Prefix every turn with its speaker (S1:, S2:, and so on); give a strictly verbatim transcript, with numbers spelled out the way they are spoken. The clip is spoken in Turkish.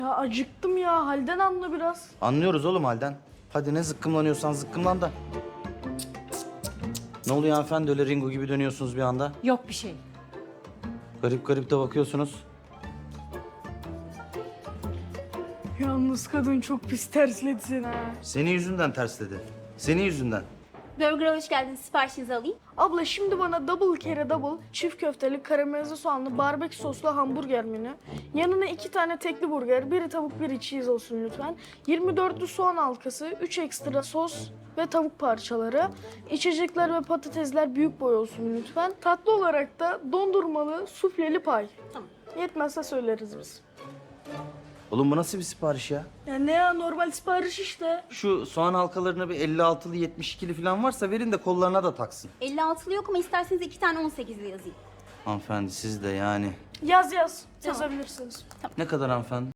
S1: Ya acıktım ya. Halden anla biraz.
S2: Anlıyoruz oğlum halden. Hadi ne zıkkımlanıyorsan zıkkımlan da. Ne oluyor hanımefendi, öyle Ringo gibi dönüyorsunuz bir anda?
S3: Yok bir şey.
S2: Garip garip de bakıyorsunuz.
S1: Yalnız kadın çok pis tersledi seni ha.
S2: Senin yüzünden tersledi. Senin yüzünden.
S4: Burger'a hoş geldiniz. Siparişinizi alayım.
S1: Abla şimdi bana double kere double, çift köfteli, karamelize soğanlı, barbekü soslu hamburger menü. Yanına iki tane tekli burger, biri tavuk biri cheese olsun lütfen. yirmi dörtlü soğan halkası, üç ekstra sos ve tavuk parçaları. İçecekler ve patatesler büyük boy olsun lütfen. Tatlı olarak da dondurmalı, sufleli pay.
S4: Tamam.
S1: Yetmezse söyleriz biz.
S2: Oğlum bu nasıl bir sipariş ya?
S1: Ya ne ya, normal sipariş işte.
S2: Şu soğan halkalarına bir elli altılı yetmiş ikili falan varsa verin de kollarına da taksın.
S4: elli altılı yok ama isterseniz iki tane on sekizli yazayım.
S2: Hanımefendi siz de yani.
S1: Yaz yaz.
S4: Tamam.
S1: Yazabilirsiniz.
S2: Ne kadar hanımefendi?